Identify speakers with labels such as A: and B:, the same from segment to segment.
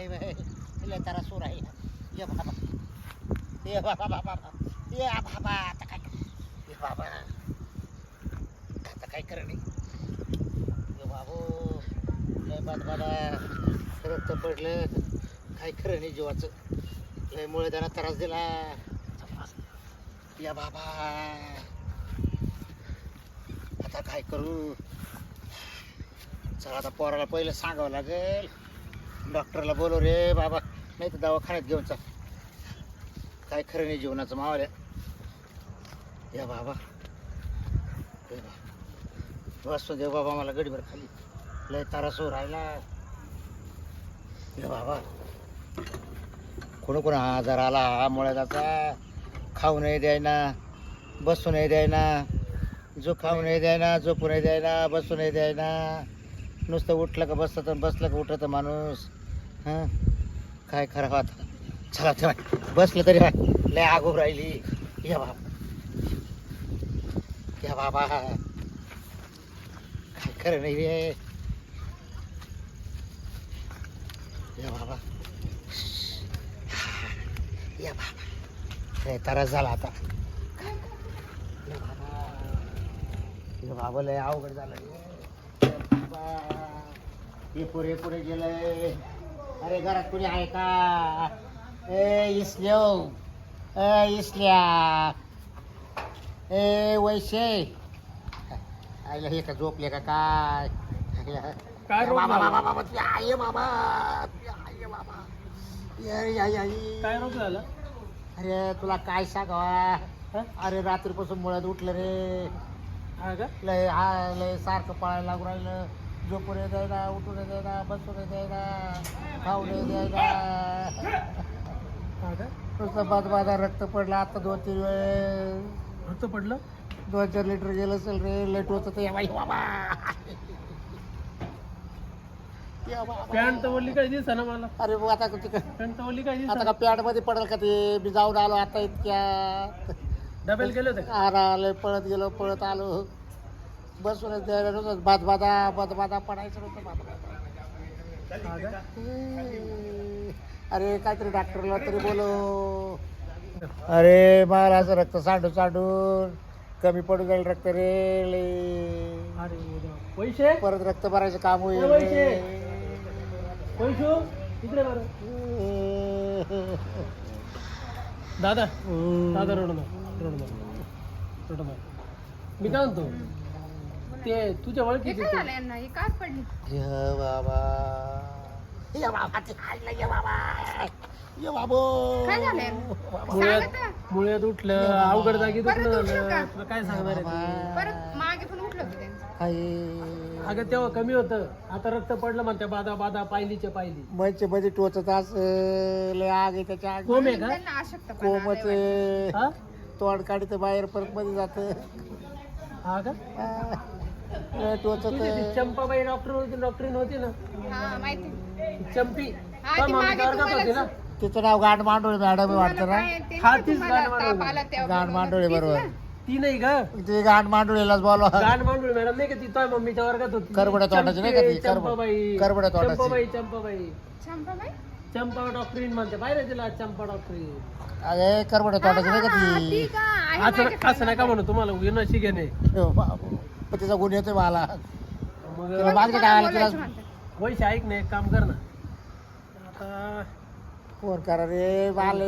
A: लय तारा सूर आहे ये बाबा ये बाबा बाबा ये बाबा आता काय ये बाबा आता काय कर नाही ये बाबू लय बाबा रक्त पडलं काय खरं नाही जीवाचं लय मुळे त्यांना त्रास दिला या बाबा आता काय करू चला आता पोराला पहिलं सांगावं लागेल डॉक्टरला बोलव रे बाबा नाही तर दवाखान्यात घेऊन चाल काय खरं नाही जीवनाचं मावाल्या या बाबा वाचतो देव बाबा मला गडीभर खाली लय तारासो राहिला या बाबा कोण आजार आला हा मुळ्याचा खाऊ नाही द्यायना बसू नाही द्यायना जो खाऊ नाही द्यायना झोपू नाही द्यायना बसू नाही द्यायना नुसतं उठलं का बसतं बसलं का उठतं माणूस हां काय खरं आता चला चला बसलं तरी लय आगो राहिली या बाबा काय खरं नाही रे या बाबा लय त्रास झाला आता या बाबा लय अवघड झालं हे पुरे पुरे गेलंय अरे घरात कुणी आहे का ए इसल्या ए वैशे आईला हे का झोपले का काय
B: काय रोग
A: बाबा
B: झाला?
A: बाबा बाबा तू आहे बाबा
B: काय रोग झाला?
A: अरे तुला काय सांगावा
B: हा?
A: अरे रात्रीपासून मुळात उठलं रे
B: हा का?
A: लय सारखं पाळायला लागू राहिलं झोपू नाही द्यायला उठू नाही द्यायला बसू नाही द्यायला खाऊ नाही द्यायला
B: हा का?
A: नुसतं बादा रक्त पडलं आता 2-3 वेळ
B: रक्त पडलं?
A: 2-4 लिटर गेलं असेल रे लेट होत ते बाबा या बाबा.
B: पॅन्ट तर वल्ली काय दिसा ना मला.
A: अरे मग आता ते
B: पॅन्ट तर वल्ली काय
A: आता
B: दिसा?
A: का पॅड मध्ये पडेल का ते मी जाऊन आलो आता इतक्या
B: डबेल गेले होते का?
A: आलं पळत गेलो पळत आलो बसूनच द्यायला नव्हतं बादा पडायचं नव्हतं बाबा
B: हा का?
A: अरे काहीतरी डॉक्टरला तरी बोलो अरे मला असं रक्त सांडून कमी पडून जाईल रक्त रे
B: अरे देवा. पैसे
A: परत रक्त भरायचं काम होईल
B: ए, पैसे. पैसे इकडे बरं. दादा दादा रडू नका. मी काय म्हणतो ते तुझ्या
C: हे
B: ओळखीचे
C: काय झालं यांना? ही कार पडली.
A: ये बाबा ते खायला ये बाबा ये बाबो
C: काय झालं यांना?
B: मुळ्यात
C: सांगा तर.
B: मुळ्यात उठलं अवघड जागी
C: परत
B: दुखणं
C: उठलं
B: झालं
C: का?
B: तुला काय सांगणार आहे ते?
C: परत मागे पण उठलं होतं त्यांचं.
A: काही
B: अगं तेव्हा कमी होतं आता रक्त पडलं म्हणते बादा पायलीच्या पायली
A: मैचे मध्ये टोचत लय आग आहे त्याच्या आग
B: कोम आहे का?
C: त्यांना अशक्तपणा
A: कोमच
C: आलाय वाटतं.
B: हा
A: तोंड काढित बाहेर परत मध्ये जात
B: हा का
A: टोचत
B: तुझी ती चंपाबाई डॉक्टरीन होती ना
C: हा माहिती.
B: ती चंपी
C: हा,
B: का
C: ती
B: मम्मी
C: मागे
B: वर्गात होती ना
C: तुम्हाला
A: तिचं नाव गांड मांडोळे मॅडम वाटतं
C: तुम्हाला
A: ना
C: काय ते
B: हा,
C: नाही
B: तीच
C: तुम्हाला
B: गाणं
C: ताप
B: म्हणून.
C: आला तेव्हा
A: गांड
C: बोलवलं.
A: मांडोळे
C: तीच
A: बरोबर
C: ना?
B: ती नाही का
A: ते गांड मांडोळेलाच बोलवा
B: गाण मांडूळ मॅडम नाही का ती तोय मम्मीच्या वर्गात होती
A: करबड्या तोंडाची नाही का ती?
B: चंपाबाई
A: करबड्या तोंडाची.
B: चंपाबाई
C: चंपाबाई?
B: चंपा डॉक्टरीन म्हणते पाहिजे तिला चंपा डॉक्टरीन
A: अरे करबडे तोंडाची नाही का
C: हा,
A: ती
C: ती का? आहे माझ्याकडे.
B: असं नका म्हणू तुम्हाला विनाशी घेणे
A: हो, बाबू. पण तिचा गुण येतोय मला
B: मग
A: तिला मागच्या टाळाला तिला
C: बोलायचं म्हणतात.
B: वैश ऐक नाही एक काम कर ना आता
A: फोन करा रे मला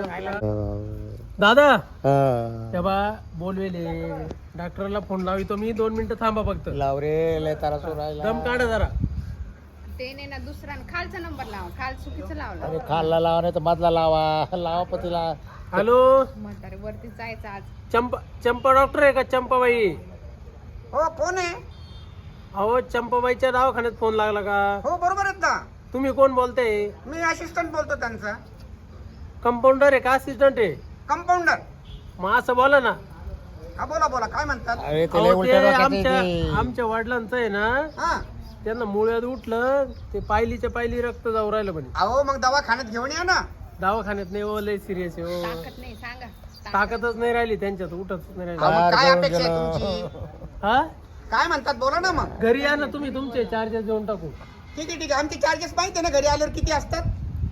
B: दादा तेव्हा बोलवेले डॉक्टरला फोन लावितो मी 2 मिनिटं थांबा फक्त
A: लाव रे लय तारा सोडायला
B: दम काढा जरा
C: ते नाही ना दुसरा खालचा नंबर लावा. खाल चुकीचं लावला.
A: अरे खाल्ला लावा नाही तर मधला लावा पतीला
B: हॅलो
C: म्हातारे वरती जायचं आज.
B: चंपा डॉक्टर आहे का चंपाबाई
D: हो फोन आहे.
B: अहो चंपाबाईच्या दवाखान्यात फोन लागला का
D: हो बरोबर आहेत ना.
B: तुम्ही कोण बोलताय
D: मी असिस्टंट बोलतो त्यांचा.
B: कंपाऊंडर आहे का असिस्टंट आहे
D: कंपाऊंडर.
B: मग असं बोला ना
D: हा बोला बोला काय म्हणतात.
A: अरे ते लय
B: अहो, ते
A: उलट्या डोक्याचं आहे
B: आमच्या
A: ते.
B: आमच्या वडिलांचं आहे ना
D: हा
B: त्यांना मुळ्यात उठलं ते पायलीच्या पायली रक्त जाऊ राहिलं म्हणे
D: अहो मग दवाखान्यात घेऊन या ना.
B: दवाखान्यात नाही हो लय सिरियस आहे हो
C: ताकद नाही सांगा.
B: ताकदच नाही राहिली त्यांच्यात उठतच नाही
D: अहो,
B: राहिली
D: मग काय
A: जवळ
D: अपेक्षा आहे
A: गेलो.
D: तुमची.
B: हा
D: काय म्हणतात बोला ना मग.
B: घरी या ना तुम्ही तुमचे चार्जेस देऊन टाकू
D: ठीक आहे आमचे चार्जेस माहिती आहे ना घरी आल्यावर किती असतात.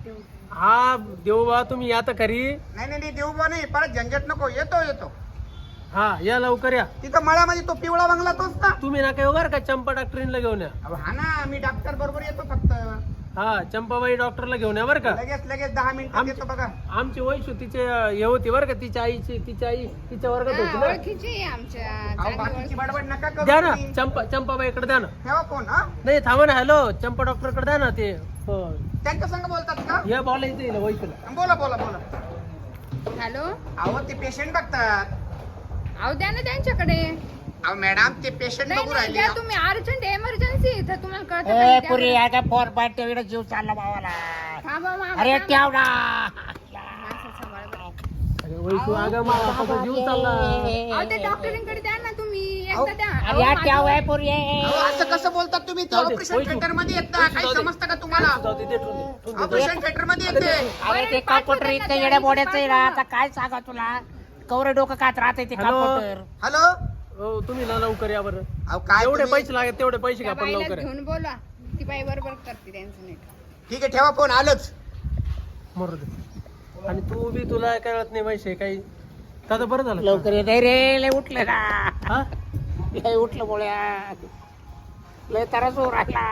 B: हा देऊ बा तुम्ही आता खरी.
D: नाही नाही देऊ बा नाही, परत झंझट नको. येतो
B: हा या लवकर या.
D: तिथं मळ्यामध्ये तो पिवळा बंगला तोच ना.
B: तुम्ही ना काय बरं का चंपा डॉक्टरीनला घेऊन या.
D: अहो, हा ना, मी डॉक्टर बरोबर येतो फक्त.
B: हा चंपाबाई डॉक्टरला घेऊन या बरं का.
D: लगेच 10 मिनिटात येतो बघा.
B: आमची वैशू तिचे हे होती बरं का, तिची आई तिच्या वर्गात होती ना.
C: ओळखीची आहे आमच्या
D: अहो,
C: चांगली
D: बाकीची
C: ओळख.
D: बडबड नका करू
B: द्या ना
D: तुम्ही.
B: चंपाबाईकडे द्या ना.
D: ठेवा फोन. हा,
B: नाही थांबा ना. हॅलो चंपा डॉक्टरकडे द्या ना ते. हो.
D: त्यांच्या संग बोलतात का?
B: या बोलायचं येईल वैशूला.
D: बोला.
C: हॅलो
D: अहो ते पेशंट बघतात.
C: अहो द्या ना त्यांच्याकडे.
D: अहो मॅडम ते पेशंट
C: नाही
D: बघू
C: नाही
D: राहिले.
C: द्या तुम्ही, अर्जंट इमर्जन्सी तर तुम्हाला कळतं का
A: ए
C: नाही? द्या
A: पुरी
C: बरं.
A: आता फोन पाठ ठेवीला जीव चालला भावाला.
C: थांबा मामा,
A: अरे
C: थांबा.
A: ठेव ना.
C: माणसं सांभाळा बरं.
B: अरे वैशू अगं माझा जीव चालला.
C: अहो ते डॉक्टरींकडे द्या ना तुम्ही, एकदा द्या.
A: अरे या
C: माझं-
A: ठेव आहे पुरी.
D: अहो, असं कसं बोलतात तुम्ही?
B: जाऊ दे,
D: ऑपरेशन
B: वैशू.
D: थिएटर मध्ये येत ना, काही समजतं का तुम्हाला?
B: जाऊ दे, दे ठेवून दे, ठेवून दे.
D: ऑपरेशन थिएटर मध्ये येते.
A: अरे ते कॉम्प्युटर इतकं येड्या बोड्याचं आहे ना, आता काय सांगा तुला. कवरे डोकं कात राहते ते
B: हॅलो.
A: कॉम्प्युटर.
D: हॅलो.
B: हो तुम्ही ना लवकर या बरं.
D: अहो काय
B: जेवढे
D: तुम्ही-
B: पैसे लागेल तेवढे पैसे घ्या
C: त्या
B: पण
C: बाईला
B: लवकर या.
C: घेऊन बोला, ती बाई बरोबर करते त्यांचं नाही.
D: ठीक आहे, ठेवा फोन. आलंच.
B: मरू दे. आणि तू बी तुला कळत नाही पैसे काही. आता बरं झालं.
A: लवकर येत रे. लय उठलं ना.
B: हा
A: लय उठलं बोळ्या. लय त्रास होऊ राहिला.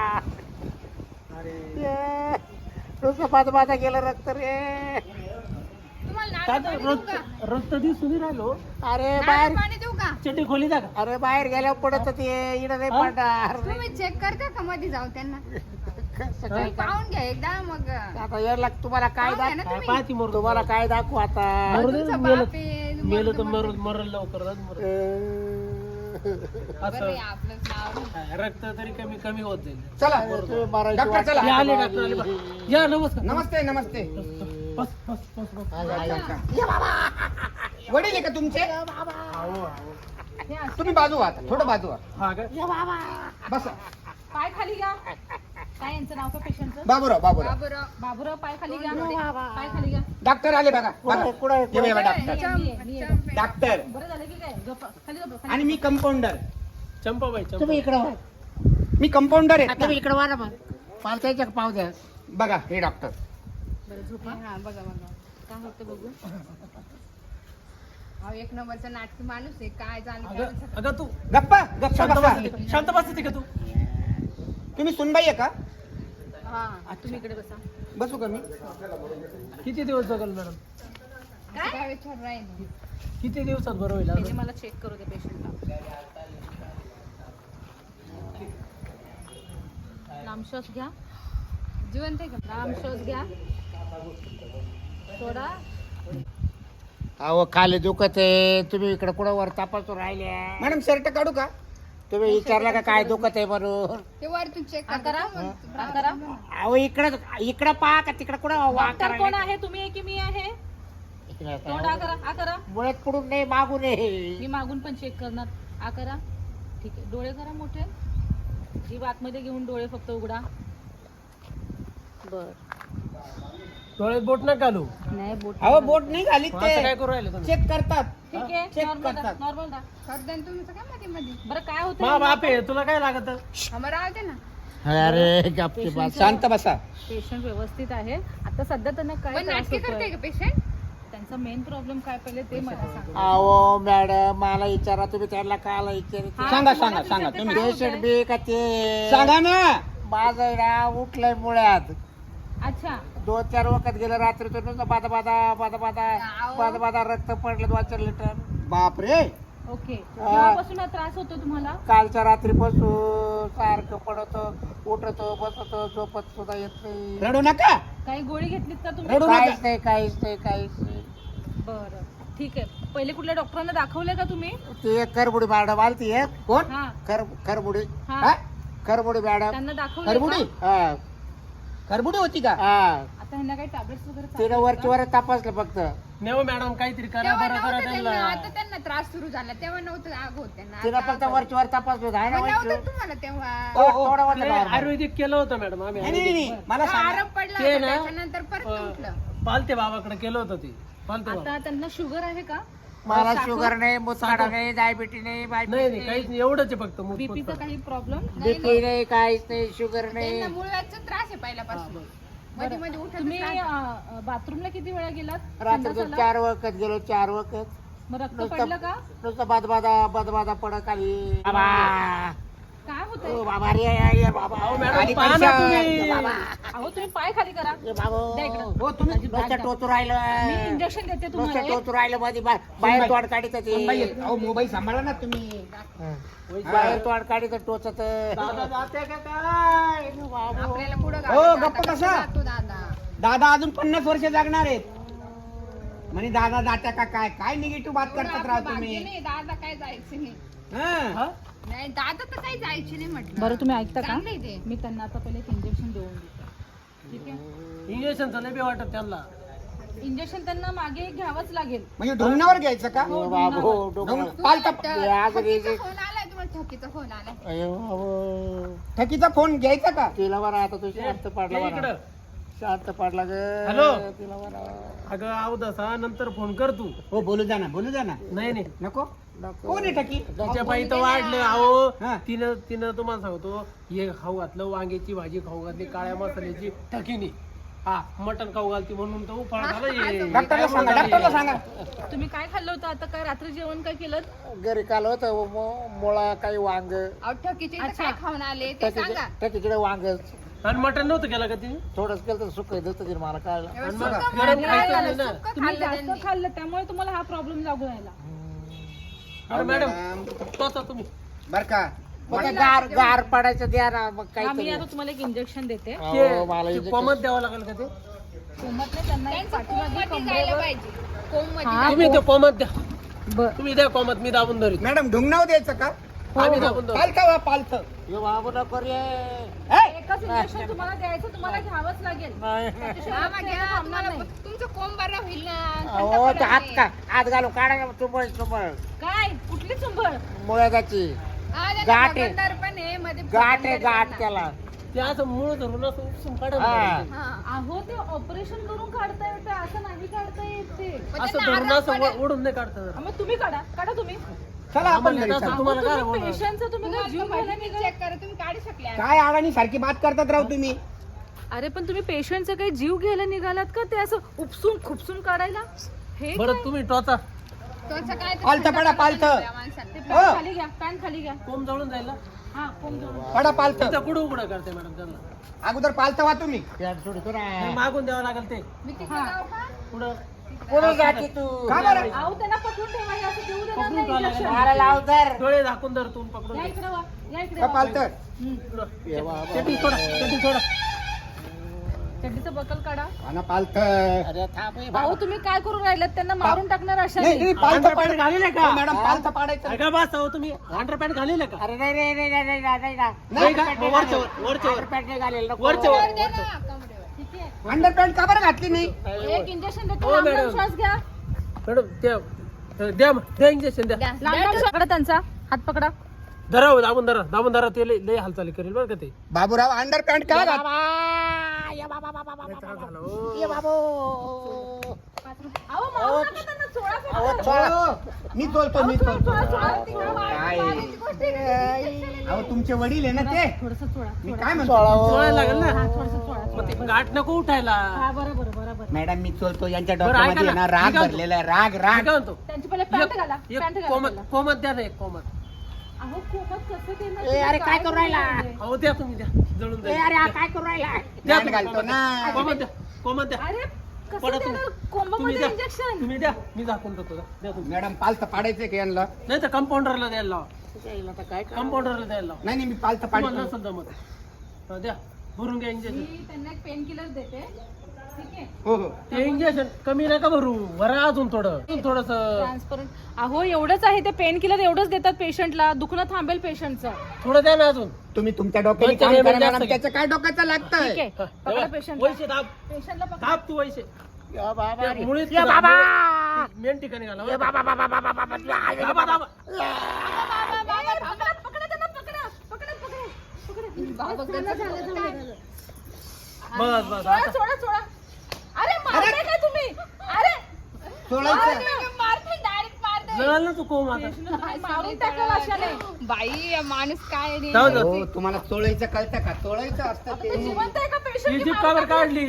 B: अरे
A: नुसतं बाजा गेलं रक्त रे.
C: तुम्हाला
B: काय
C: नारळ
B: तर
C: पाणी देऊ का?
B: रक्त दिसून नाही राहिलो.
A: अरे
C: नारळ
A: बाहेर
C: पाणी देऊ का?
B: चटी खोली जा का.
A: अरे बाहेर गेल्यावर पडत ते इकडे नाही
B: हा?
A: पडणार.
C: तुम्ही चेक करता का मध्ये जाऊ त्यांना?
A: कसं
C: तुम्ही
A: काय
C: पाहून घ्या एकदा मग.
A: आता यायला तुम्हाला काय
C: पाहून घ्या ना
B: काय
C: तुम्ही.
B: पाहती मरू
A: तुम्हाला काय दाखवू आता.
B: मरू दे,
C: तुमचा
B: मेलं
C: बाप आहे,
B: मेलं तर
C: मरू-
B: मरल लवकर जात मरू.
C: बरं
B: असं
C: आहे, आपलंच नाव.
B: हा, रक्त तरी कमी होत जाईल.
D: चला
A: तुम्ही मारायची
D: डॉक्टर
A: वाट
D: चला.
B: या आले डॉक्टर आले बा. या नमस्कार.
D: नमस्ते.
B: बस बस बस बस.
D: वडील आहे का तुमचे?
B: आहो, आहो.
D: तुम्ही बाजू व्हा आता, थोडं बाजू व्हा.
B: हा का.
D: बसा.
E: पाय खाली घ्या. काय यांचं नाव का पेशंटचं?
D: बाबूराव.
C: बाबूराव.
E: बाबूराव पाय खाली घ्या. पाय खाली घ्या.
D: डॉक्टर आले बघा.
A: कुठं आहे?
D: हे बघा, डॉक्टर.
E: मी आहे.
D: डॉक्टर
E: बरं झालं की काय? झोपा. खाली झोपा. खाली.
D: आणि मी कंपाऊंडर.
B: चंपाबाई
A: तुम्ही
B: चंपा.
A: इकडे वा.
D: मी कंपाऊंडर आहे.
A: तुम्ही इकडे वा ना मग. मला त्याच्या पाव द्या.
D: बघा हे डॉक्टर.
E: बरं झोपा.
C: हा बघा
E: काय होतं बघू.
C: अहो एक नंबरचा नाटकी माणूस आहे, काय झालं काय
B: अगं
C: माहिती.
B: अगं तू
D: गप्पा
B: शांत
D: बसा.
B: बसते शांत बसते का तू.
D: तुम्ही सुनबाई आहे का?
E: हा तुम्ही इकडे बसा.
D: बसू का मी?
B: किती दिवस जगल मॅडम.
C: काय विचार राहील.
B: किती दिवसात बरं होईल
E: पहिले
B: अजून?
E: मला चेक करू दे पेशंटला. लांब श्वास घ्या.
C: जिवंत आहे का?
E: लांब श्वास घ्या. सोडा.
A: अहो खाली दुखत आहे. तुम्ही इकडे कुठं वर तपासून राहिल्या.
D: मॅडम शर्ट काढू का?
A: तुम्ही विचारला का काय दुखत आहे म्हणून.
C: ते वरतून चेक
E: हा करा. हा करा.
A: अहो इकडं पहा का तिकडे कुठं वा
E: डॉक्टर कोण आहे? तुम्ही आहे की मी आहे? तोंड आ करा. आ करा.
A: मुळात पुढून नाही मागून
E: मी
A: नाही.
E: मागून पण चेक करणार. आ करा. ठीक आहे. डोळे करा मोठे. जीभ आतमध्ये घेऊन डोळे फक्त उघडा. बर.
B: डोळ्यात बोट नका घालू.
E: नाही बोट.
D: अहो बोट नाही घाली
B: मग असं काय
D: ते
B: करू राहिले तुम्ही.
D: चेक करतात.
E: ठीक आहे.
D: चेक
E: नॉर्मल
D: करतात.
E: नॉर्मल दा.
C: करताय ना तुमचं काय मध्ये मध्ये.
E: बरं काय
B: मा
E: होतं?
B: बाप आहे तुला काय लागत.
C: आम्हाला राहते ना.
A: अरे गप्पी बस.
D: शांत बसा.
E: पेशंट व्यवस्थित आहे. आता सध्या त्यांना काय
C: पण
E: त्रास
C: नाटकी करते
E: होतोय?
C: का पेशंट?
E: त्यांचा मेन प्रॉब्लेम काय पहिले ते मला सांगा.
A: अहो मॅडम मला विचारा तुम्ही त्यांना कायला
E: हा,
A: विचार.
D: सांगा,
E: तुम्हाला
D: सांगा,
E: विचारते
D: तुम्ही.
E: काय
A: पेशंट
E: होतंय?
A: बी का ते
D: सांगा ना.
A: माझं नाव उठलंय मुळ्यात.
E: अच्छा.
A: 2-4 वखत गेलं रात्रीतून नुसतं बादा रक्त पडलं 2-4 लिटर.
D: बापरे.
E: ओके. केव्हापासून हा त्रास होतो तुम्हाला?
A: कालच्या रात्रीपासून सारखं पडतो, उठतो, बसतो, झोपत सुद्धा येत नाही.
D: रडू नका.
E: काही गोळी घेतलीत का तुम्ही?
D: रडू नका.
A: काहीच नाही.
E: बरं ठीक आहे. पहिले कुठल्या डॉक्टरांना दाखवलंय का तुम्ही?
A: ती एक करबुडी मॅडम आलती एक.
D: कोण?
E: हा.
A: करबुडी
E: हा.
D: हा?
A: करबुडी मॅडम.
E: त्यांना दाखवलंय
D: खरबुडी?
E: का?
A: हा
D: खरबुडी होती का?
A: हा.
E: आता ह्यांना काही टॅब्लेट्स वगैरे
A: तिनं
E: चालू आहेत
A: वरची वर तपासलं फक्त.
B: नेव मॅडम काहीतरी करा
C: तेव्हा
B: बरं करा
C: नव्हतं त्यांना,
B: त्यांना.
C: आता त्यांना त्रास सुरू झाला तेव्हा नव्हतं आग होत त्यांना.
A: तिनं
C: आता
A: फक्त
C: आग
A: वरची वर तपासलं आहे ना
C: होत.
A: वरची.
C: नव्हतं तुम्हाला तेव्हा.
A: थोडं वाटलं
B: नाही,
A: normal.
B: आयुर्वेदिक केलं होतं मॅडम आम्ही.
D: नाही, नाही, नाही. मला सांगा.
C: आराम पडला
B: ते
C: होता,
B: ना,
C: त्याच्यानंतर परत उठलं.
B: पालते बाबाकडे केलं होतं ते. पालते बाबा.
E: आता त्यांना शुगर आहे का?
A: मला
E: साखर?
A: शुगर नाही, मुतखडा नाही, डायबिटीज नाही,
B: नाही काहीच नाही एवढंच आहे फक्त
E: बीपीचा काही प्रॉब्लेम?
A: बीपी नाही, काहीच नाही, शुगर
C: त्यांना
A: नाही.
C: मुळव्याचा त्रास आहे पहिल्यापासून. मध्ये मध्ये उठतच
E: तुम्ही
C: राहता.
E: बाथरूमला किती वेळा गेलात
A: रात्री
E: संडासाला?
A: 4 वखत गेलो, 4 वखत.
E: मग रक्त पडलं का?
A: नुसतं बदबादा पडत आली. बाबा
E: काय होतंय?
A: ओ बाबा रे बाबा.
B: अहो
D: आणि
B: मॅडम पहा ना
D: पैसा-
B: तुम्ही.
E: अहो तुम्ही पाय खाली करा.
A: ए बाबा.
E: द्या इकडं.
D: हो तुम्ही
A: नुसतं टोचू
E: मी
A: राहिलं.
E: इंजेक्शन देते
A: नुसतं
E: तुम्हाला एक.
A: टोचू राहिलं मध्ये बाहेर तोंड काढित
D: मोबाईल
A: ते.
D: अहो मोबाईल सांभाळा ना तुम्ही.
A: बाहेर तोंड काढित टोचत.
B: दादा जाते का काय?
C: आपल्याला पुढं
D: हो,
C: गाडी
D: गप्प
C: जाता
D: कसा?
C: कसा जातो दादा?
D: दादा अजून 50 वर्ष जगणार आहेत. म्हणे दादा जात्या का काय काय निगेटिव्ह बात
C: एवढं
D: करतात
C: आपलं
D: राव
C: भाग्य
D: तुम्ही.
C: नाही, दादा काय जायचं नाही.
D: हा.
B: हा?
C: नाही दादा तर काही जायचे नाही म्हटलं.
E: बरं तुम्ही ऐकता का?
C: चांगलं आहे ते.
E: मी त्यांना आता पहिले एक इंजेक्शन देऊन देते. ठीक आहे?
B: इंजेक्शनचं नाही बी वाटत त्यांना.
E: इंजेक्शन त्यांना मागे घ्यावंच लागेल.
D: म्हणजे ढोलण्यावर घ्यायचं का?
A: ओ बाबो डोकं.
D: पालता
A: आज
C: ठकीचा
A: रेजे.
C: फोन आलाय तुम्हाला, ठकीचा फोन आलाय.
A: अयो बाबो.
D: ठकीचा फोन घ्यायचा का?
A: तिला बरं आता तू शांत पाडला
B: ये
A: बरं.
B: इकडं.
A: शांत पाडला ग.
B: हॅलो.
A: तिला बरं.
B: अगं अवदसा नंतर फोन कर तू.
D: हो बोलू जा ना बोलू जा ना.
B: नाही नाही
D: नको
A: नको.
D: कोण आहे ठकी?
B: तिच्या बाई तर वाढलं अहो.
D: हा.
B: तिनं तुम्हाला सांगतो हे खाऊ घातलं, वांग्याची भाजी खाऊ घातली, काळ्या मसाल्याची ठकीनी. हा मटण खाऊ घालती म्हणून तर उफाळ झालं हे.
D: डॉक्टरला सांगा डॉक्टरला सांगा.
E: तुम्ही काय खाल्लं होतं आता? काय रात्री जेवण काय केलं?
A: घरी काल होत मुळा काही वांग.
C: अहो ठकीचे इथं
E: अच्छा.
C: काय खाऊन आले ते सांगा.
A: त्याच्याकडे वांग
B: आणि मटण नव्हतं केलं का तिने?
A: थोडंच केलं तर सुख देतं तिने मला कळलं.
C: एवढं
B: आणि मग
C: सुक्कं
B: गरम
C: खाल्लं,
B: खायचं नाही ना.
C: सुक्कं
E: तुम्ही
C: खाल्लं
E: जास्त
C: त्यांनी.
E: खाल्लं त्यामुळे तुम्हाला हा प्रॉब्लेम लागू राहिला.
B: अरे मॅडम तोचा तुम्ही.
D: बर का
A: मग ते गार पडायचं द्या ना मग
E: आम्ही
A: काहीतरी.
E: आता तुम्हाला एक इंजेक्शन देते.
A: अहो, मला
B: ते
A: injection-
B: कोमत द्यावं लागेल का ते?
E: कोमत नाही, त्यांना एक
C: त्यांचं
E: पाठीमागे
C: कोंबमध्ये जायला
E: कमरेवर.
C: पाहिजे. कोंबमध्ये
E: हा.
C: जायला
B: तुम्ही ते कोमत द्या.
E: बरं.
B: तुम्ही द्या कोमत, मी दाबून धरीत.
D: मॅडम ढुंगणाव द्यायचं का?
B: आम्ही दाबून धरू.
D: पालथं वा पालथं.
A: यो बाबू नको रे.
E: एकच इंजेक्शन तुम्हाला द्यायचं, तुम्हाला घ्यावंच लागेल. त्याच्याशिवाय
C: मामा
E: रक्त
C: घ्या,
E: थांबणार
C: तुम्हाला
E: नाही.
C: तुमचं कोंब बरा होईल ना.
A: अहो
C: थंड
A: ते हात
C: पडेल.
A: का हात घालून काढा तुंबळ तुंबळ
E: काय कुठली चुंबळ?
A: मुळ्याची
C: हा, त्याचं
A: गाठ आहे.
C: भगंदर पण आहे, मध्ये
A: गाठ आहे
C: भगंदर
A: गाठ
C: पण
A: त्याला.
B: ते असं मूळ धरून असं उपसून काढा
A: हा.
B: ना.
C: हा.
E: अहो ते ऑपरेशन करून काढता येतं, असं नाही काढता येत ते.
C: मग
B: असं
C: त्यांना
B: धरून
C: आराम
B: असं
C: पडेल.
B: ओढून नाही काढता.
E: मग तुम्ही काढा तुम्ही.
D: चला आपण
B: आम्हाला
D: घरी
B: आता
D: चला.
B: तुम्हाला काय
E: तुम्ही
B: बोलणार?
E: पेशंटचं तुम्ही काय जीव घ्यायला
C: तुम्ही
E: निघाले?
C: चेक करा, तुम्ही काढू शकले.
D: काय अडाणी सारखी बात करतात राव तुम्ही.
E: अरे पण तुम्ही पेशंटचा काही जीव घ्यायला निघालात का? ते असं उपसून खुपसून काढायला? हे
B: बरं तुम्ही टोचा.
C: तुमचं काय ते
D: पालथं
C: थंड
D: पडा,
C: पडेल
D: पालथं.
C: त्या माणसाला.
E: ते
D: हो.
E: पॅन खाली घ्या, पॅन खाली घ्या.
B: कोंब जळून जाईल ना.
E: हा कोण जवळ.
D: पडा पालथं.
B: तिथं कुठं उघडं करते मॅडम त्यांना.
D: अगोदर पालथं वा तुम्ही.
A: पॅन्ट सोडतो
B: नाही,
A: ना.
B: मागून द्यावं लागेल ते.
C: मी तिकडे
E: हा.
C: जाऊ का?
B: पुढं
A: कोण जाते तू?
D: का बरं?
E: अहो त्यांना पकडून ठेवा, हे असं देऊ देणार
B: पकडून
E: नाही
B: ठेवा
E: इंजेक्शन.
B: लागेल.
A: मला लाव तर.
B: डोळे झाकून धर तू पकडून
E: या
B: दे.
E: इकडे वा, या इकडे
D: का
E: वा.
D: पालथं?
E: हम्म.
B: इकडं.
A: ये बाबा.
B: चटी सोडा, चटी सोडा.
E: चड्डीचं बकल काढा.
D: हा ना पालथं.
A: अरे थांब हे
E: अहो
A: बाबा.
E: तुम्ही काय करून राहिलात? त्यांना मारून टाकणार अशा
D: नाही नाही, पालथं
B: अंडरपॅन्ट घालेलं
D: पाडायचं.
B: का?
D: हो, मॅडम पालथं पाडायचं.
B: अगं बस अहो तुम्ही अंडरपॅन्ट घालेलं का?
A: अरे नाही नाही नाही नाही नाही नाही नाही.
B: नाही का? मग वरच्या वर, वरच्या वर.
A: अंडरपॅन्ट नाही घालेल नको.
B: वरच्या वर.
C: वर दे ना, कमरेवर.
E: ठीक आहे.
D: अंडरपॅन्ट का बरं घातली नाही?
E: एक इंजेक्शन देतो,
B: हो,
E: लांब लांब
B: मॅडम.
E: श्वास घ्या.
B: मॅडम द्या इंजेक्शन द्या.
C: द्या.
E: लांब लांब श्वास पकडा त्यांचा हात पकडा.
B: धरा हो, दाबून धरा ते लय हालचाली करेल बरं का ते.
D: बाबूराव अंडरपॅन्ट का घात?
A: बाबा. ये बाबा बाबा बाबा.
B: लय त्रास झाला हो.
A: ये बाबू.
E: अहो मारू नका त्यांना, सोडा
A: अहो,
E: फक्त.
A: चोळा.
D: हो, मी तोलतो मी तोलतो. काय अहो तुमचे वडील आहे ना ते.
E: थोडंसं सोडा,
D: मी
E: सोडा.
D: काय म्हणतो?
A: चोळा हो.
B: सोडायला लागेल ना.
E: हा, थोडंसं सोडा,
B: मग
E: सोडा.
B: ते गाठ नको उठायला.
E: हा बरोबर.
D: मॅडम मी चोलतो. यांच्या
B: बरं, ऐका
D: डोक्यामध्ये आहे
B: ना.
D: ना राग
B: मी काय म्हणतो?
D: भरलेला आहे. राग
B: मी
D: राग.
B: काय म्हणतो
E: त्यांची पहिले पॅन्ट घाला, पॅन्ट
B: एक
E: घाला
B: कोमत
E: पहिला.
B: कोमत द्या ना एक कोमत.
E: अहो कोमत कसं देणार?
A: ए, अरे, काय करू राहिला?
B: अहो द्या तुम्ही द्या जळून
A: ए,
B: जाईल.
A: अरे हा काय करू राहिला?
B: द्या
D: पॅन्ट
B: तुम्ही,
D: घालतो ना.
B: कोमत द्या.
E: अरे कसं
B: पडा
E: देणार
B: तुम्ही
E: कोंबामध्ये
B: द्या
E: इंजेक्शन?
B: तुम्ही द्या मी झाकून देतो द्या तुम्ही.
D: मॅडम पालथं पाडायचंय का यांना?
B: नाही तर कंपाऊंडरला द्यायला लावा.
A: आता काय कर?
B: कंपाऊंडरला द्यायला लावा.
D: नाही मी पालथं
B: तुम्हाला
D: पाडतो.
B: नसेल जमत हा, द्या भरून घ्या इंजेक्शन.
E: मी त्यांना एक पेन किलर देते. ठीक आहे.
D: हो हो.
B: ते इंजेक्शन कमी नका भरू भरा अजून थोडस.
E: ट्रान्सपरंट. अहो एवढंच आहे ते पेन किलर, एवढंच देतात पेशंटला. दुखणं थांबेल पेशंटचं.
B: थोडं द्या ना अजून.
D: तुम्ही तुमच्या डोक्याने
B: बच्चा
D: काम
B: नाही,
D: करा
B: जास्त
D: मॅडम.
B: घ्या.
D: त्याचं काय डोक्याचं लागतंय?
E: ठीक आहे.
B: हा,
E: पकडा
B: तेव्हा
E: पेशंटला.
B: वैसे दाब
E: पेशंटला पकडा.
B: दाब तू वैसे.
A: या बाबा
B: त्या
A: रे.
B: मुळीत
A: या बाबा.
B: मेन ठिकाणी घाला
A: या बाबा बाबा बाबा बाबा.
B: दाबा, दाबा.
E: पकडा त्यांना, पकडा.
C: बाबा, कसं झालं झालं.
B: बस
E: सोडा. अरे मारताय काय तुम्ही? अरे
D: सोडायचं.
C: मारते, डायरेक्ट मारते
B: जळाल ना तू कोम आता.
E: मारून टाकलं अशाने.
C: बाई माणूस काय रे.
B: जाऊ दे.
D: हो तुम्हाला चोळायचं कळतं का? चोळायचं असतं
E: ते
D: ते.
E: जिवंत आहे का
B: ही
E: पेशंट
B: जीप का बरं काढली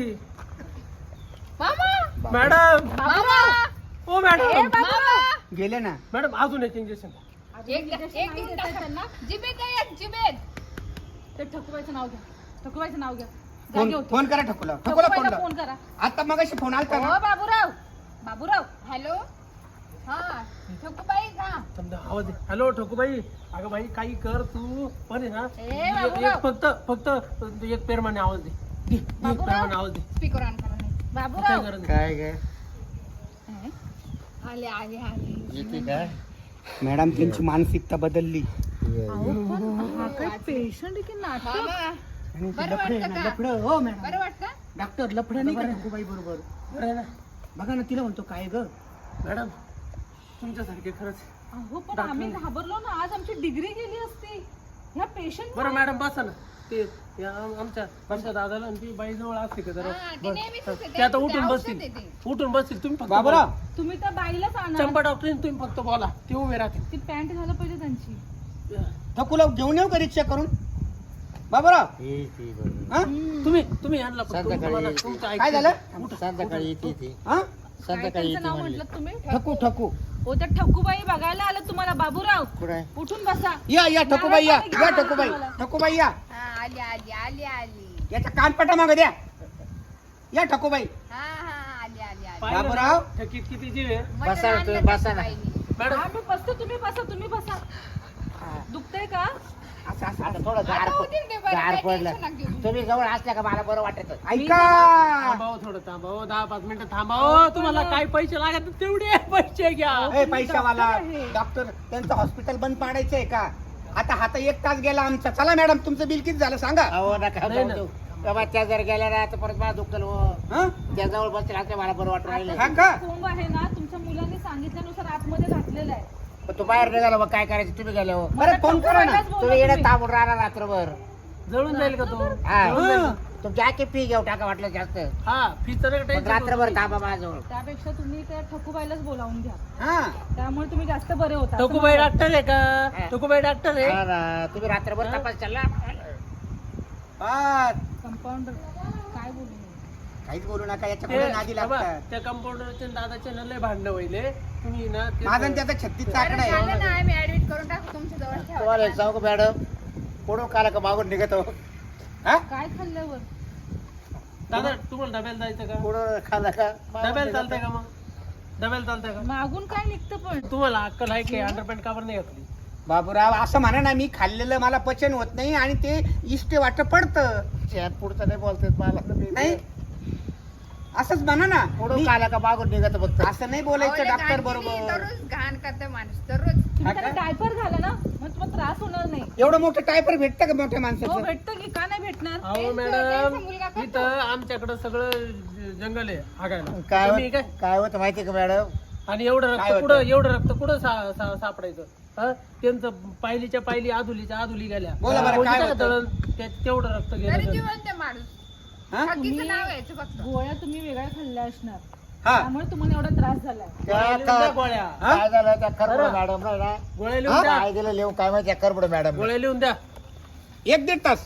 C: मामा
B: मॅडम?
C: मामा
B: ओ मॅडम
D: गेले ना.
B: मॅडम अजून एक इंजेक्शन.
C: एक देऊन टाका. जिबेत आहे एक, जिबेत.
E: ते ठकुबाईचं नाव घ्या. ठकुबाईचं नाव घ्या.
D: फोन
E: जागे होते.
D: फोन करा ठकुला. ठकुला फोन
E: ठकुबाईला
D: लाव.
E: फोन करा.
D: आता मगाशी फोन आलता
E: हो
D: ना.
E: बाबूराव. बाबूराव.
C: हॅलो हा ठोकूबाई का
B: समजा आवाज दे. हॅलो ठोकूबाई. अगं बाई काही कर तू पण आहे ना
E: ए,
B: एक
E: बाबूराव.
B: फक्त एक पेरमाने आवाज दे. एक
E: बाबूराव.
B: पेरमाने आवाज दे.
C: स्पीकर ऑन करा नाही.
B: काय
E: बाबूराव.
B: गरज नाही.
D: काय काय
C: आले आले आले
A: येते का?
D: मॅडम त्यांची मानसिकता बदलली.
E: हा काय पेशंट की नाटक.
C: मामा बरं वाटतं का
D: लफडं हो मॅडम.
C: बरं वाटतं
D: डॉक्टर लफडं नाही का ठकुबाई बरोबर?
B: बरं आहे ना
D: बघा ना तिला म्हणतो काय ग.
B: मॅडम तुमच्यासारखे खरंच.
E: अहो पण आम्ही घाबरलो ना. आज आमची डिग्री गेली असती ह्या पेशंट.
B: बरं मॅडम बसा ना. ते या आमच्या दादाला आणि ती बाई जवळ असते का जरा
C: हा, ते नेहमीच असते.
B: ते आता
C: ते
B: उठून
C: औषध
B: बसतील.
C: आहे ते.
B: उठून बसतील. तुम्ही फक्त
D: बाबूराव
B: बोला.
E: तुम्ही त्या बाईलाच आणा.
B: चंपा डॉक्टरीन तुम्ही फक्त बोला. ते उभे राहतील.
E: ती पॅन्ट झालं पाहिजे त्यांची.
D: ठकुला घेऊन येऊ का रिक्षा करून? बाबूराव हा?
B: तुम्ही आणला फक्त. तुम्हाला तुमचं ऐकतं.
D: काय झालं?
A: संध्याकाळी येते ती.
D: हा?
E: काय
A: संध्याकाळी
E: त्यांचं
A: येते
E: नाव
A: म्हणले.
E: म्हटलं तुम्ही?
D: ठकू ठकू.
E: हो त्या ठकुबाई बघायला आलं तुम्हाला. बाबूराव
A: कुठे
E: उठून बसा.
D: या ठकुबाई या ठकुबाई. ठकुबाई या.
C: हा आली आली आली आली
D: याचा कानपटा माग द्या. या ठकुबाई.
C: हा हा आली आली आली
B: पाहिलं ना?
D: बाबूराव.
B: थकीत किती जीव आहे.
C: मटण
A: बसा ना
C: आणलं
A: तुम्ही,
C: त्या
A: बसा ना.
C: बाईनी.
B: मॅडम
E: हा, मी बसतो. तुम्ही बसा. तुम्ही बसा. दुखतंय का?
D: असं असं
A: आता थोडं गार
C: आता होतील ते बरं,
A: गार
C: काही
A: पडलं.
C: टेन्शन नका घेऊ.
A: तुम्ही जवळ असल्या का मला बरं वाटत.
D: ऐका.
B: थांबावं थोडं थांबावं. 10-5 मिनिटं थांबावं. तुम्हाला काय पैसे लागत तेवढे पैसे घ्या.
D: ए पैशावाला डॉक्टर त्यांचं हॉस्पिटल बंद पाडायचंय का? आता हाता 1 तास गेला आमचा. चला मॅडम तुमचं बिल किती झालं सांगा.
A: अहो नका
B: नाही
A: जाऊ
B: ना.
A: देऊ. बाबा त्या जर गेल्या ना तर परत मला दुःख हो.
D: हा?
A: त्या जवळ बसतील असं मला बरं वाटत राहिलं.
D: हा का?
E: कोंब आहे ना तुमच्या मुलांनी सांगितल्यानुसार आतमध्ये घातलेलं आहे.
A: पण तू बाहेर निघाला मग काय करायचं तुम्ही गेले हो.
D: बरं फोन करा ना.
E: ठकुबाईलाच बोलवा
A: तुम्ही येणं
E: तुम्ही.
A: थांबून राहणार रात्रभर.
B: जळून जाईल का तो?
A: हा.
B: जळून जाईल का?
A: तुमची आखी फी घेऊ टाका वाटलं जास्त.
B: हा फीचं
A: पण रात्रभर थांबा माझ्याजवळ.
E: त्यापेक्षा तुम्ही त्या ठकुबाईलाच बोलावून घ्या.
D: हा.
E: त्यामुळे तुम्ही जास्त बरे होता. असं
B: ठकुबाई
E: मला
B: डॉक्टर आहे का?
A: हा.
B: ठकुबाई डॉक्टर आहे.
A: हा ना. तुम्ही रात्रभर
B: हा.
A: तपास चालला.
D: हा.
E: वाटतं. कंपाऊंडर काय बोलू मी?
D: काहीच बोलू नका. याच्या पुढे नादी
B: बाबा,
D: लागतात.
B: त्या कंपाऊंडरचे दादाचे ना लय भांडणं व्हायले. तुम्ही ना ते-
D: माझा आणि त्याचा 36
C: बरं
D: आकडा आहे.
C: झालं ना आम्ही ऍडमिट करून टाकू तुमच्या जवळ
A: तुम्हाला एक
C: ठेवा.
A: सांगू का मॅडम, पुढून काला का मागून निघतो.
D: हा?
E: काय खाल्ल्यावर?
B: दादा तुम्हाला डब्याला जायचं का?
A: पुढं खाला का
B: डब्याला चालतंय का मग? डब्याला चालतंय का?
E: मागून काय निघतं पण?
B: तुम्हाला अक्कल आहे की अंडरपॅन्ट का बरं नाही घातली?
D: बाबूराव असं म्हणा ना, मी खाल्लेलं मला पचन होत नाही आणि ते इष्ट वाट पडतं.
A: पुढचं नाही बोलतेत मला तर मी-
D: नाही असंच म्हणा ना.
A: पुढून
D: मी-
A: काला का मागून निघत फक्त.
D: असं नाही बोलायचं डॉक्टर बरोबर.
C: दररोज घाण करते माणूस दररोज.
E: तुम्ही
D: हा
E: त्याला
D: का?
E: डायपर घाला ना, मग तुम्हाला त्रास होणार नाही.
D: एवढं मोठं टायपर भेटतं का मोठ्या
E: हो
D: माणसाचं?
E: भेटतं की, का नाही भेटणार?
B: अहो
C: त्यांचा
B: मॅडम
C: मुलगा करतो.
B: इथं आमच्याकडं सगळं जंगल आहे हागायला.
A: काय
B: तुम्ही
A: होत- काय होतं माहितीये का मॅडम,
B: आणि एवढं
D: काय
B: रक्त
D: होतं?
B: कुठं एवढं रक्त कुठं सापडायचं? हा? त्यांचं पायलीच्या पायली आधुलीच्या आधुली गेल्या.
D: बोला बरं,
B: बोलते
D: काय
B: का
D: होतं?
B: दळण? तेवढं रक्त
C: तरी
B: गेलं.
C: जिवंत आहे माणूस.
D: हा?
C: ठगीचं नाव यायचं फक्त.
E: गोळ्या तुम्ही वेगळ्या खाल्ल्या असणार,
D: हा.
E: त्यामुळे तुम्हाला एवढा त्रास झालाय.
A: त्या
B: गोळ्या लिहून द्या
A: का-
B: गोळ्या.
D: हा?
A: काय झालं त्या करबड
B: बरं.
A: मॅडम नाही ना,
B: गोळ्या लिहून द्या.
A: काय दिलं लिहून काय माहिती करबड मॅडम.
B: गोळ्या लिहून द्या.
D: 1-1.5 तास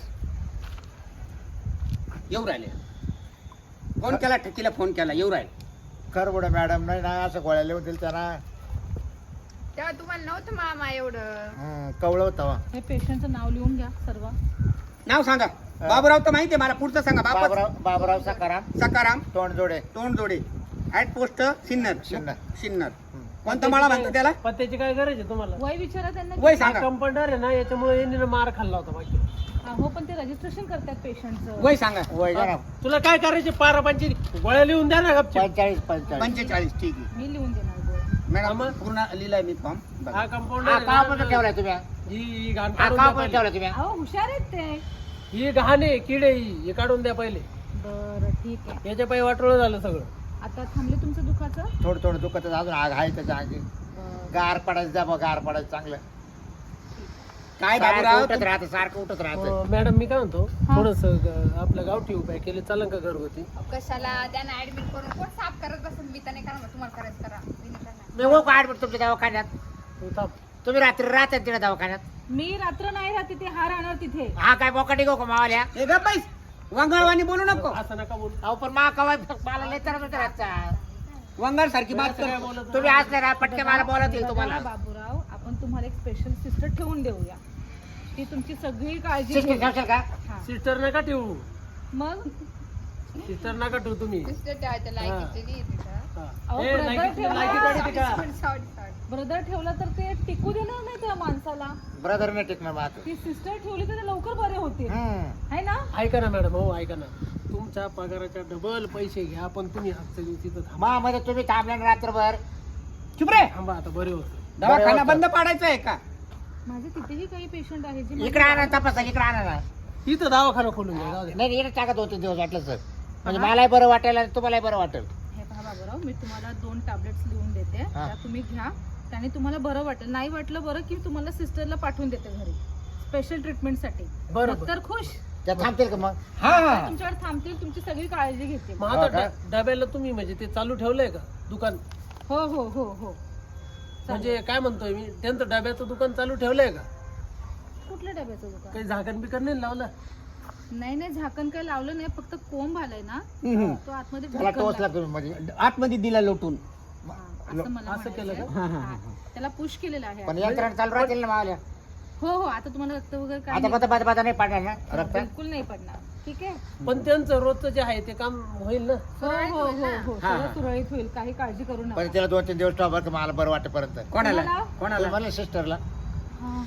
D: येऊ राहिले. फोन केला ठकीला, फोन केला, येऊ राहिले.
A: करबड मॅडम नाही ना, असं गोळ्या लिहून दिल त्यांना.
C: तेव्हा तुम्हाला नव्हतं मामा एवढं.
A: कवळ होता.
E: हे पेशंटचं नाव लिहून घ्या सर्व.
D: नाव सांगा. बाबूराव तर माहितीये मला, पुढचं सांगा.
A: बाबराव सकाराम
D: सकाराम
A: तोंडजोडे.
D: Tondjode at post Sinnar.
A: सिन्नर.
D: सिन्नर. कोणता माळा म्हणतो त्याला?
B: पत्त्याची काय गरज आहे तुम्हाला?
E: वय विचारा त्यांना.
D: वय सांगा.
B: कंपाऊंडर आहे ना, याच्यामुळे यांनी ना मार खाल्ला होता माहिती.
E: हो पण ते रजिस्ट्रेशन करतात पेशंटचं.
D: वय सांगा.
A: वय जरा
B: तुला काय करायचे? पारापांची गोळ्या लिहून द्या ना गपचूप.
A: 45.
D: 45. ठीक आहे
E: मी लिहून देणार गोळ्या.
D: मॅडम.
B: आम्हा-
D: पूर्ण लिहिलाय मी फॉर्म.
B: हा कंपाऊंडर
A: हा
B: आहे
A: का पण
B: ना,
A: ठेवलाय तुम्ही,
B: ही घाण
A: हा
B: काढून
A: का
B: द्या
A: पण
B: पहिले.
A: ठेवलाय तुम्ही.
E: अहो हुशार आहेत ते.
B: ही घाण आहे, किडे ही काढून द्या पहिले.
E: बरं ठीक आहे.
B: याच्या पायी वाटोळं झालं सगळं.
E: आता थांबले तुमचं दुखाचं?
A: थोडं थोडं दुखत अजून आग आहे त्याच्या आगी.
E: बरं.
A: गार पडायचं जा बघ, गार पडायचं चांगलं.
D: काय
A: सारखं
D: बाबूराव
A: उठत राहतं, सारखं उठत राहतं.
B: मॅडम मी काय म्हणतो,
E: हा.
B: थोडस आपलं गावठी उपाय केले चालन का घरगुती?
C: कशाला त्यांना ऍडमिट करून कोण साफ करत बसून मी तर नाही करणार. तुम्हाला करायचं करा. मी नाही करणार.
A: मी हो का ऍडमिट तुमच्या दवाखान्यात?
B: तू थांब.
A: तुम्ही रात्री राहतात तिकडे दवाखान्यात?
E: मी रात्र नाही राहते ते हा राहणार तिथे.
A: हा काय बोकाटी गो का मावाल्या?
D: हे ग पैस वंगाळवाणी बोलू नको.
B: असं नका बोल.
A: अहो पण मा कवाय मला लय तर रातचा.
D: वंगाळ सारखी बात
B: काय
D: कर.
B: बोलत
A: तुम्ही असले ना पटके मला बोलत येईल तुम्हाला.
E: बघा बाबूराव, आपण तुम्हाला एक स्पेशल सिस्टर ठेवून देऊया. ती तुमची सगळी काळजी
A: सिस्टर
E: घेईल.
A: ठेवशाल का?
E: हा.
B: सिस्टर नका ठेवू.
E: मग
B: सिस्टर नका ठेवू तुम्ही.
C: सिस्टर ठेवायचं लायकीचे नाही येते का?
B: हा.
E: अहो,
B: ए,
E: brother
B: लायकी-
E: ठेवा.
B: लायकी काढी ती का?
C: सॉरी
E: ब्रदर ठेवला तर ते टिकू देणार नाही त्या माणसाला.
A: ब्रदर नाही टिकणार माझं.
E: ती सिस्टर ठेवली तर ते लवकर बरे होतील.
A: हम्म.
E: आहे ना?
B: ऐका ना मॅडम, हो ऐका ना. तुमच्या पगाराच्या डबल पैसे घ्या, पण तुम्ही आजच्या दिवशी तर थांबा.
A: मा मध्ये तुम्ही थांबले ना रात्रभर.
D: चुप रे.
B: थांबा आता, बरे होतं.
D: दवाखाना बंद पाडायचा आहे का?
E: माझे तिथेही काही पेशंट आहेत जे
A: इकडे आणा तपासा, इकडे आणा ना.
B: इथं दवाखाना खोलून घ्या, जाऊ दे.
A: नाही इकडे टाका 2-3 दिवस वाटलं सर. म्हणजे मलाही बरं वाटेल आणि तुम्हालाही बरं वाटेल.
E: हे पहा बाबूराव, मी तुम्हाला 2 टॅबलेट्स लिहून देते. त्या तुम्ही घ्या. त्याने तुम्हाला बरं वाटेल. नाही वाटलं बरं की तुम्हाला सिस्टरला पाठवून देते घरी स्पेशल ट्रीटमेंटसाठी.
B: बरोबर.
E: तर खुश.
A: त्या थांबतील का मग?
D: हा
E: तुमच्यावर थांबतील, तुमची सगळी काळजी घेतील.
B: मग
A: हो
B: आता
A: का?
B: डब्याला तुम्ही म्हणजे ते चालू ठेवलंय का दुकान?
E: हो हो हो हो.
B: म्हणजे काय म्हणतोय मी, त्यांचं डब्याचं दुकान चालू ठेवलंय का?
E: कुठल्या डब्याचं दुकान?
B: काही झाकण बिकन नाही लावलं?
E: नाही नाही, झाकण काही लावलं नाही, फक्त कोंब आलाय ना
D: हम्म.
E: तो आतमध्ये
A: त्याला
E: ढकलला.
A: टोचला तुम्ही म्हणजे.
D: आतमध्ये दिला लोटून.
E: हा, असं मला
B: असं केलं
E: म्हणायचंय.
B: का?
E: हा. त्याला पुश केलेलं आहे.
A: पण यंत्रणा चालू राहतील ना मावल्या.
E: हो हो, आता तुम्हाला रक्त वगैरे काय
A: आता
E: नाही.
A: बता नाही पाडणार ना रक्त?
E: बिलकुल नाही पडणार. ठीक आहे.
B: पण त्यांचं रोजचं जे आहे ते काम होईल ना?
E: हो हो हो हो,
A: हा,
E: सगळं
A: हा.
E: सुरळीत होईल, काही काळजी करू नका.
A: पण तिला 2-3 दिवस ठेवा बरं का, मला बरं वाटेपर्यंत.
D: कोणाला
E: कोणाला?
D: कोणाला
A: मला सिस्टरला.
E: हा.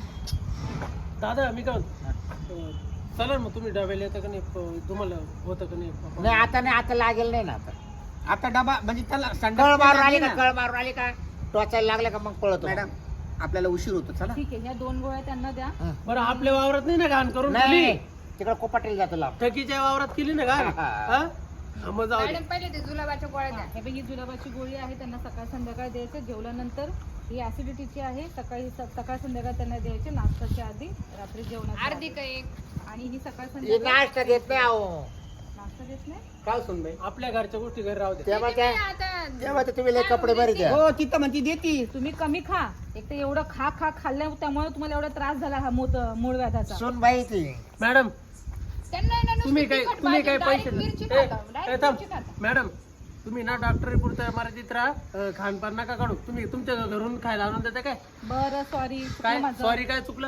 B: दादा मी काय म्हणतो, चला ना मग तुम्ही डब्याला येतं का नाही, तुम्हाला होतं का नाही?
A: नाही आता लागेल नाही ना आता.
D: आता डबा म्हणजे त्याला
A: कळ
D: संडास
A: मारून आली
D: लागली
A: का?
D: ना.
A: कळ मारून आली का? टोचायला लागले का मग पळतो.
D: मॅडम आपल्याला उशीर होतो, चला.
E: ठीक आहे, ह्या 2 गोळ्या त्यांना द्या.
B: बरं, आपल्या वावरात नाही ना घाण करून
A: नाही
B: ठेवली?
A: तिकडे कोपाटेल जातो लाभ.
B: ठकीच्या वावरात केली ना घाण?
A: हा.
B: हा? मग जाऊ दे.
C: मॅडम पहिले ते जुलाबाच्या गोळ्या द्या.
E: हे बघ, ही जुलाबाची गोळी आहे, त्यांना सकाळ संध्याकाळ द्यायचं. जेवल्यानंतर ही ऍसिडिटीची आहे, सकाळ संध्याकाळ त्यांना द्यायचे, नाश्त्याच्या आधी, रात्री जेवणाच्या
C: अर्धी
E: आधी.
C: का एक?
E: आणि ही सकाळ
A: हे
E: संध्याकाळ
A: नाश्ता देत नाही अहो.
E: नाश्ता देत नाही.
B: काय सुन बाई, आपल्या घरच्या गोष्टी घरी राहू दे.
A: तेव्हा
C: नाही,
A: त्या
C: आता
A: तेव्हा ते तुम्ही लय कपडे बरे द्या.
D: हो तिथं म्हणती देती.
E: तुम्ही कमी खा. एक तर एवढं खा खाल्ल्या त्यामुळे तुम्हाला एवढा त्रास झाला हा मूळ व्याधाचा.
A: सुन बाई ती.
B: मॅडम
C: त्यांना आहे ना नुसती
B: तुम्ही काय
C: तिखट
B: तुम्ही काय
C: भाजी,
B: पैसे
C: direct मिरची
B: ए,
C: खाता,
B: ए,
C: direct
B: थांब.
C: मिरची खाता.
B: मॅडम तुम्ही ना डॉक्टरी पुरता मराठीत राहा, खानपान नका काढू. तुम्ही तुमच्या घरून खायला आणून देता काय?
E: बरं, सॉरी.
B: काय सॉरी, काय चुकलं?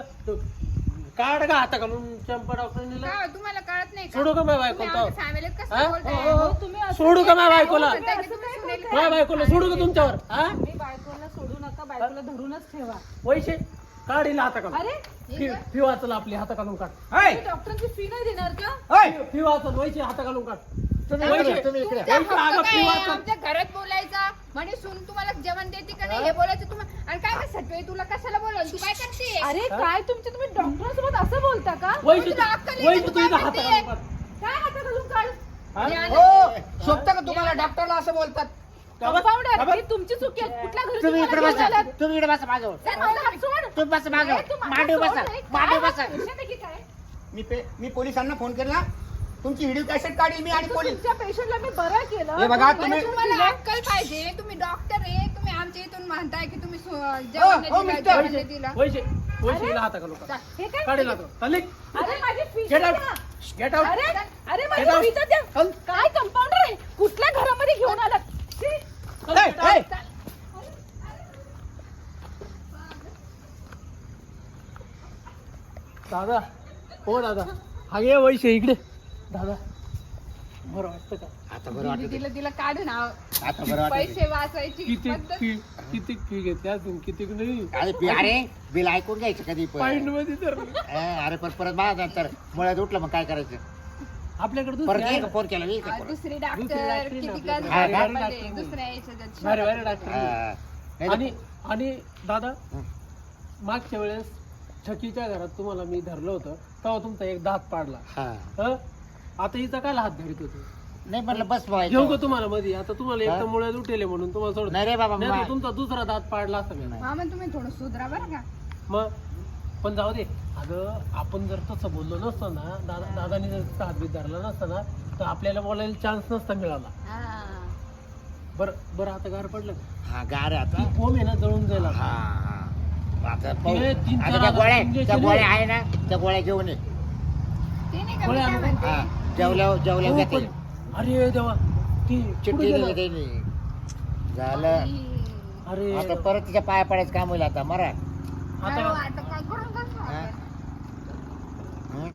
B: काढ का हाता घालून चंपा डॉक्टरने
C: का हो, तुम्हाला कळत नाही का?
B: सोडू का माझ्या
C: तुम्ही
B: बायकोला?
C: आमच्या फॅमिलीत कसं
B: हा?
C: बोलताय?
E: तुम्ही असं
B: सोडू का माझ्या बायकोला?
C: हो, म्हणताय की तुम्ही सुनेल
B: माझ्या बायकोला सोडू का तुमच्यावर? हा?
E: तुम्ही बायकोला सोडू नका, बायकोला धरूनच ठेवा.
B: पैसे काढील हाता घालून.
E: अरे,
B: फी वाचल आपली, हाता घालून काढ.
D: होय,
E: तुम्ही डॉक्टरांची फी नाही देणार का?
D: होय.
B: फी वाचल, पैसे हाता घालून काढ.
A: तुम्ही
B: पैसे.
A: इकडे, तुम्ही इकडे.
C: तुमचा
B: पैसे आगा
C: हक्क काय
B: फी
C: आहे?
B: वाचून.
C: आमच्या घरात बोलायचा म्हणे सून तुम्हाला जेवण देते का नाही हे बोलायचं तुम्हाला. आणि काय सटवे तुला कशाला बोलवलं? तू काय करते?
E: अरे काय तुम्ही डॉक्टरांसोबत असं बोलता का?
B: वैसे
C: तुला अक्कल आहे
B: वैसे
C: का?
B: तू
C: तू
B: इथं
C: काय
B: हाता
C: म्हणते?
B: घालून काढ.
E: काय हाता घालून काढ?
B: हा?
D: हो शोभतं का तुम्हाला डॉक्टरला असं बोलतात?
E: कंपाऊंडर, ही तुमची चुकी आहे. कुठल्या घरी
A: तुम्ही इकडे
E: तुम्हाला
A: बसा.
E: घेऊन आलात?
A: तुम्ही इकडे बसा माझ्यावर.
E: सर, माझा हात सोड.
A: तुम्ही बसा माझ्यावर.
E: अरे, तू माझा
A: मांडीव
E: सोड
A: बसा.
E: रे.
A: मांडीव
E: काय
A: बसा.
E: हा patient आहे की काय?
D: मी पोलिसांना फोन केला. तुमची व्हिडिओ कॅसेट काढली मी आणि
E: तू
D: पोलीस.
E: तुमच्या पेशंटला मी बरं केलं.
D: हे बघा,
E: तुम्ही
C: बरं, तुम्हाला
E: दिलं.
C: अक्कल पाहिजे. तुम्ही डॉक्टर आहे. तुम्ही आमच्या इथून म्हणताय की तुम्ही
D: हो,
C: जेवण
D: मिस्टर.
C: जेवण नाही दिलं.
B: वैसे हिला हाता घालून काढ.
E: हे काय?
B: काढील हाता. चालेल?
E: अरे माझी फी
B: Get out.
E: द्या.
B: Get out.
E: अरे अरे माझी
B: Get out.
E: फी तर द्या. काय कंपाऊंडर आहे? कुठल्या घरामध्ये घेऊन आलात? छी.
D: होय, होय.
B: दादा, हो दादा, हा ये वैसे इकडे. दादा बरं वाटतं का?
A: आता बरं वाटत.
C: दिलं तिला काढून
A: आता बरं वाटत.
C: पैसे वाचायची
B: किती
C: पद्धत.
B: फी किती फी घेते अजून किती नाही?
A: अरे बिल ऐकून घ्यायचं कधी
B: पॉइंट
A: पण.
B: मध्ये तर
A: अरे पण परत माझ्या नंतर मुळ्यात उठलं मग काय करायचं?
B: आपल्याकडे
A: परत
B: दुसरी आहे
A: एक
B: का?
A: फोन केला मी इकडे परत.
C: दुसरी
B: दुसरी
C: डॉक्टर
B: डॉक्टर
C: किती
B: ना
C: का
B: आपल्याकडे.
A: हा,
C: झाले
A: हा.
C: पाहिजे. दुसऱ्या याच्यात
B: भारी भारी डॉक्टर.
A: हा. नाही तर-
B: आणि आणि दादा
A: हं.
B: मागच्या वेळेस ठकीच्या घरात तुम्हाला मी धरलं होतं तेव्हा तुमचा एक दात पाडला.
A: हा.
B: हं? आता हिचा काय हात धरीत होते?
A: नाही म्हटलं बस
B: घेऊ का
A: व्हायचं.
B: तुम्हाला मध्ये? आता तुम्हाला एक तर
A: हा?
B: मुळ्यात उठेले म्हणून तुम्हाला सोड.
A: नाही रे बाबा
B: नाही तर
A: मा-
B: तुमचा दुसरा दात पाडला असं मी.
C: हा मग तुम्ही थोडं सुधरा बरं का.
B: मग पण जाऊ दे. अगं आपण जर तसं बोललो नसतो ना, दादानी जर हातबीत धरला नसता ना, तर आपल्याला बोलायला चान्स नसता मिळाला.
C: हा.
B: बरं बरं आता गार पडलं
A: हा गार आहे
B: ती
A: आता.
B: बोंब आहे ना जळून जाईल आता.
A: हा आता पाहू.
B: ते 3-4
A: आता त्या गोळ्या
B: इंजेक्शन
A: त्या
B: आहे.
A: गोळ्या आहे ना त्या गोळ्या घेऊन ये.
C: ते नाही का मी
B: गोळ्या
C: काय
B: आणू.
C: म्हणते
A: हा जेवल्यावर
B: हो,
A: जेवल्यावर घेता येईल.
B: पण- अरे देवा ती
A: चिठ्ठी
B: कुठे
A: दिली
B: गेलं?
A: त्यांनी झालं.
B: अरे
A: आता परत तिच्या पाया पडायचं काम होईल आता मरा.
C: अरे,
B: आता
C: आता काय करू